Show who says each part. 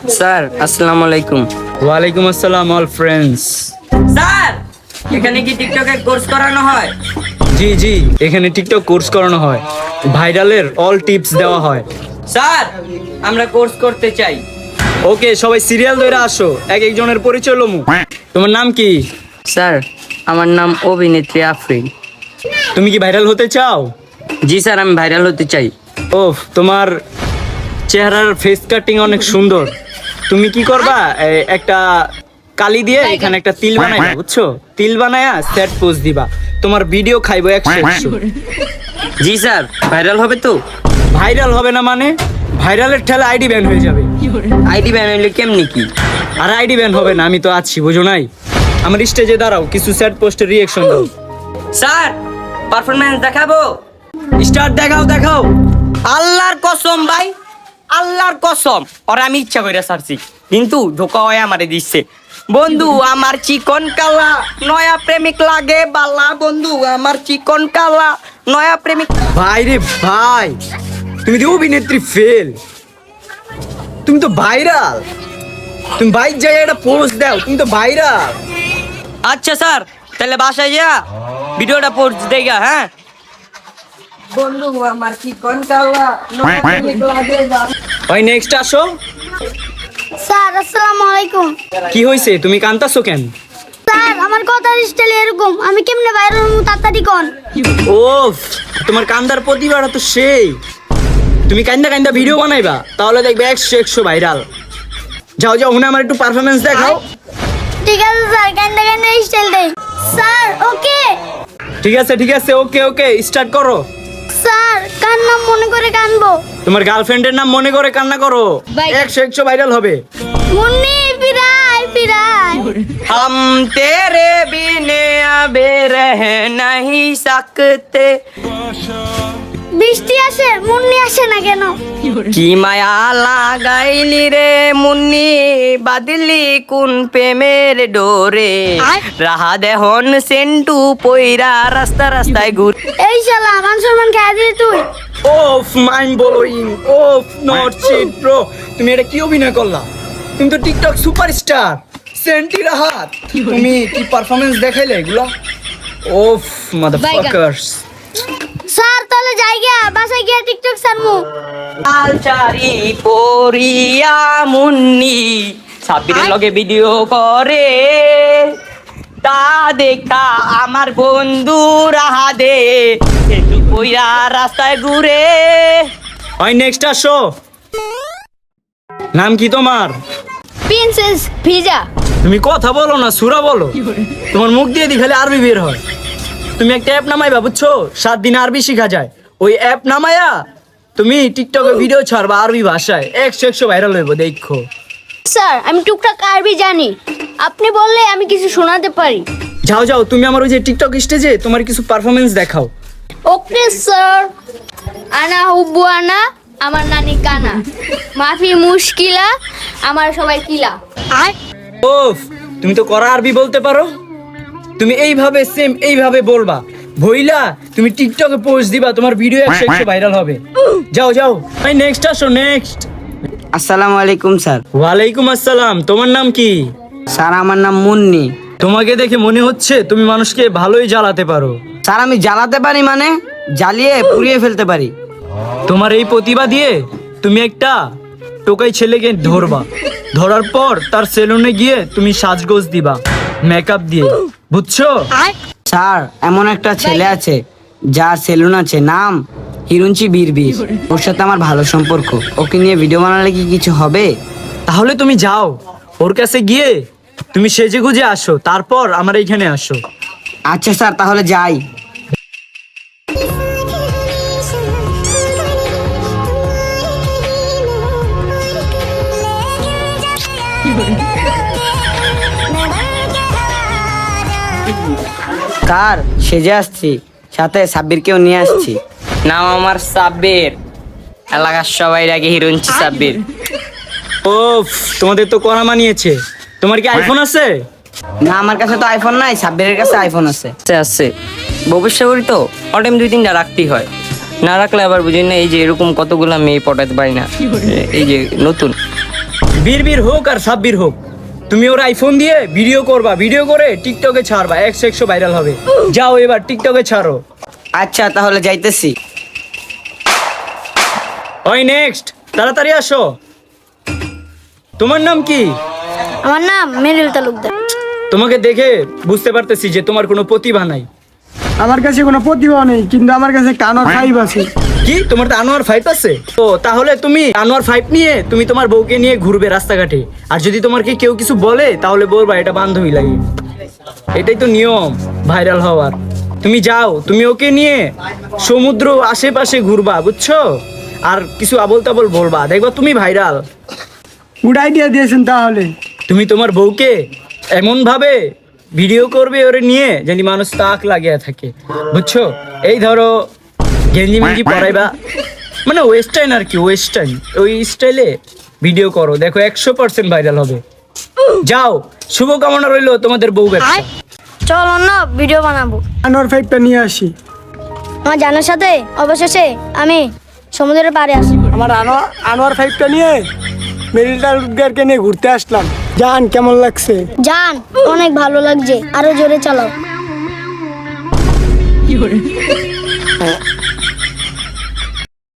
Speaker 1: Sir আসসালামু আলাইকুম।
Speaker 2: ওয়ালাইকুম আসসালাম অল ফ্রেন্ডস।
Speaker 1: স্যার এখানে কি টিকটকের কোর্স করানো হয়?
Speaker 2: জি জি, এখানে টিকটক কোর্স করানো হয়, ভাইরালের অল টিপস দেওয়া হয়।
Speaker 1: স্যার আমরা কোর্স করতে চাই।
Speaker 2: ওকে, সবাই সিরিয়াল ধরে আসো, এক একজনের পরিচয় লমু। তোমার নাম কি?
Speaker 1: স্যার আমার নাম অভিনেত্রী আফরিন।
Speaker 2: তুমি কি ভাইরাল হতে চাও?
Speaker 1: জি স্যার আমি ভাইরাল হতে চাই।
Speaker 2: ওহ, তোমার চেহারার ফেস কাটিং অনেক সুন্দর। তুমি কি করবা, একটা কালি দিয়ে এখানে একটা তিল বানাইবা, বুঝছো? তিল বানায়া সেট পোজ দিবা, তোমার ভিডিও খাইবো 100।
Speaker 1: জি স্যার ভাইরাল হবে তো?
Speaker 2: ভাইরাল হবে না মানে? ভাইরালের ঠেলা আইডি ব্যান হয়ে যাবে।
Speaker 1: আইডি ব্যান হইলে কেমনি কি?
Speaker 2: আর আইডি ব্যান হবে না, আমি তো আছি, বুঝো নাই? আমার স্টেজে দাঁড়াও, কিছু সেট পোস্টের রিঅ্যাকশন দাও।
Speaker 1: স্যার পারফরম্যান্স দেখাবো।
Speaker 2: স্টার্ট, দেখাও দেখাও।
Speaker 1: আল্লাহর কসম ভাই, আল্লাহর কসম, ওরা আমি ইচ্ছা করে সারছি, কিন্তু ধোকা হয়ে আমারে দিচ্ছে। বন্ধু আমার চিকন কালা, নয়া প্রেমিক লাগে বালা। বন্ধু আমার চিকন কালা, নয়া প্রেমিক।
Speaker 2: ভাই রে ভাই, তুমি তো অভিনেত্রী ফেল, তুমি তো ভাইরাল। তুমি বাইক জায়গায় একটা পোস্ট দাও, তুমি তো ভাইরাল।
Speaker 1: আচ্ছা স্যার তাহলে বাসায় যা ভিডিওটা পোস্ট দেগা। হ্যাঁ বন্ধু আমার চিকন কালা, নয়া প্রেমিক লাগে বালা।
Speaker 2: ভাই নেক্সট আসো।
Speaker 3: স্যার আসসালামু আলাইকুম।
Speaker 2: কি হয়েছে, তুমি কান্তাছো কেন?
Speaker 3: স্যার আমার কথার স্টাইল এরকম, আমি কেমনে ভাইরাল হবো তাড়াতাড়ি কোন।
Speaker 2: ওফ, তোমার কান্দার প্রতিভাটা তো সেই। তুমি কান্দা কান্দা ভিডিও বানাইবা, তাহলে দেখবে 100 ভাইরাল। যাও যাও, হুনে আমার একটু পারফরমেন্স দেখাও।
Speaker 3: ঠিক আছে স্যার, কান্দা কান্দা স্টাইল দেই। Sir okay.
Speaker 2: ঠিক আছে ঠিক আছে, ওকে ওকে, স্টার্ট করো।
Speaker 3: স্যার কার নাম মনে করে কানবো?
Speaker 2: তোমার গার্লফ্রেন্ডের নাম মনে করে কান্না করো, 100 ভাইরাল হবে।
Speaker 3: মুন্নি পিরাই পিরাই।
Speaker 1: हम तेरे बिने अबे रह नहीं सकते।
Speaker 3: বৃষ্টি আসে মুন্নি আসে না কেন?
Speaker 1: কি মায়া লাগাইলি রে মুন্নি, বাদলি কোন প্রেমের ডোরে। রাহা দেহন সেন্টু পইরা রাস্তা রাস্তায় ঘুর।
Speaker 3: এই শালা মান সম্মান খাই দিলি তুই।
Speaker 2: ওফ, মাইন্ড ব্লোয়িং। ওফ, নট শিট ব্রো, তুমি এটা কি অভিনয় করলা? তুমি তো টিকটক সুপারস্টার সেন্টি রাহাত, তুমি কি পারফরম্যান্স দেখাইলে এগুলো? ওফ মাদারফাকারস।
Speaker 3: স্যার তাহলে যাই গিয়া বাসায় গিয়া টিকটক ছাড়মু।
Speaker 1: আলচারি পরিয়া মুন্নি সাবিরের লগে ভিডিও করে, তা দেখা আমার বন্ধু রাহা দে সেন্টু পইরা রাস্তায় ঘুরে।
Speaker 2: ভাই নেক্সট আসো। নাম কি তোমার?
Speaker 3: প্রিন্সেস ভিজা।
Speaker 2: তুমি কথা বলো না, সুরা বলো। তোমার মুখ দিয়ে খালি আরবি বের হয়। তুমি একটা অ্যাপ নামাইবা, বুঝছো? 7 দিনে আরবি শেখা যায়। ওই অ্যাপ নামায়া তুমি টিকটকে ভিডিও ছাড়বা আরবি ভাষায়, 100 ভাইরাল হইব, দেখো।
Speaker 3: স্যার আমি টুকটাক আরবি জানি, আপনি বললে আমি কিছু শোনাতে পারি।
Speaker 2: যাও যাও, তুমি আমার ওই যে টিকটক স্টেজে তোমার কিছু পারফরমেন্স দেখাও।
Speaker 3: Okay sir. আনা হুব্বু আনা, আমার নানি কানা, মাফি মুশকিলা, আমার সবাই কিলা।
Speaker 2: ওফ, তুমি তো করা আরবি বলতে পারো। তুমি এইভাবে সেম এইভাবে বলবা, ভইলা তুমি টিকটকে পোস্ট দিবা, তোমার ভিডিও 100 ভাইরাল হবে। যাও যাও, ভাই নেক্সট আসো, নেক্সট।
Speaker 1: আসসালামু আলাইকুম স্যার।
Speaker 2: ওয়ালাইকুম আসসালাম। তোমার নাম কি?
Speaker 1: স্যার আমার নাম মুন্নি।
Speaker 2: তোমাকে দেখে মনে হচ্ছে তুমি মানুষকে ভালোই জ্বালাতে পারো।
Speaker 1: স্যার আমি জ্বালাতে পারি মানে জ্বালিয়ে পুড়িয়ে ফেলতে পারি।
Speaker 2: তোমার এই প্রতিভা দিয়ে তুমি একটা টোকাই ছেলেকে ধরবা, ধরার পর তার সেলুনে গিয়ে তুমি সাজগোজ দিবা মেকআপ দিয়ে, বুঝছো?
Speaker 1: স্যার এমন একটা ছেলে আছে যার সেলুন আছে, নাম হিরুঞ্চি বীরবীর। ওর সাথে আমার ভালো সম্পর্ক, ওকে নিয়ে ভিডিও বানালে কি কিছু হবে?
Speaker 2: তাহলে তুমি যাও, ওর কাছে গিয়ে তুমি সেজে গুজে আসো, তারপর আমার এইখানে আসো।
Speaker 1: আচ্ছা স্যার তাহলে যাই। স্যার সেজে আসছি, সাথে সাব্বিরকেও নিয়ে আসছি। নাম আমার সাব্বির, এলাকার সবাই ডাকে হিরুঞ্চি সাব্বির।
Speaker 2: ওফ, তোমাদের তো করা মানিয়েছে। তোমার কি আইফোন আছে?
Speaker 1: না আমার কাছে তো আইফোন নাই, সাব্বিরের কাছে আইফোন আছে। আছে ভবিষ্যৎ তো অটাইম 2-3টা রাখতেই হয়, না রাখলে আবার বুঝি না এই যে এরকম কতগুলা মেয়ে পটাতে পারি না। এই যে নতুন
Speaker 2: বীর হোক আর সাব্বির হোক, তুমি ওর আইফোন দিয়ে ভিডিও করবা, ভিডিও করে টিকটকে ছাড়বা, 100 ভাইরাল হবে। যাও এবার টিকটকে ছাড়ো।
Speaker 1: আচ্ছা তাহলে যাইতেছি।
Speaker 2: ওই নেক্সট, তাড়াতাড়ি আসো। তোমার নাম কি?
Speaker 3: আমার নাম মেরিল তালুকদার।
Speaker 2: তোমাকে দেখে বুঝতে পারতেছি যে তোমার কোনো প্রতিভা নাই।
Speaker 4: আমার কাছে কোনো প্রতিভা নেই, কিন্তু আমার কাছে কানোর 5 আছে।
Speaker 2: কি তোমার তো আনোয়ার 5 আছে? ও তাহলে তুমি আনোয়ার 5 নিয়ে তুমি তোমার বউকে নিয়ে ঘুরবে রাস্তাঘাটে, আর যদি তোমাকে কেউ কিছু বলে তাহলে বলবা এটা বান্ধবী লাগে। এটাই তো নিয়ম ভাইরাল হওয়ার। তুমি যাও, তুমি ওকে নিয়ে সমুদ্র আশেপাশে ঘুরবা, বুঝছো? আর কিছু আবল তাবল বলবা, দেখবা তুমি ভাইরাল।
Speaker 4: গুড আইডিয়া দিয়েছেন তাহলে।
Speaker 2: তুমি তোমার বউকে এমন ভাবে ভিডিও করবে ওরে নিয়ে জানি মানুষ তাক লাগিয়ে থাকে, বুঝছো? এই ধরো গেঞ্জি মেঞ্জি পরাইবা, মানে ওয়েস্টার্ন আর কি, ওয়েস্টার্ন ওই স্টাইলে ভিডিও করো, দেখো 100% ভাইরাল হবে। যাও, শুভকামনা রইলো তোমাদের বউ ব্যবসা।
Speaker 3: চলো না ভিডিও বানাবো।
Speaker 4: আনোয়ার 5টা নিয়ে আসি।
Speaker 3: আমার জানার সাথে অবশেষে আমি সমুদ্রের পাড়ে আসি।
Speaker 4: আমার আনোয়ার 5টা নিয়ে মেরিল তালুকদারকে নিয়ে ঘুরতে আসলাম। জান কেমন লাগছে?
Speaker 3: জান অনেক ভালো লাগছে, আরো জোরে চালাও।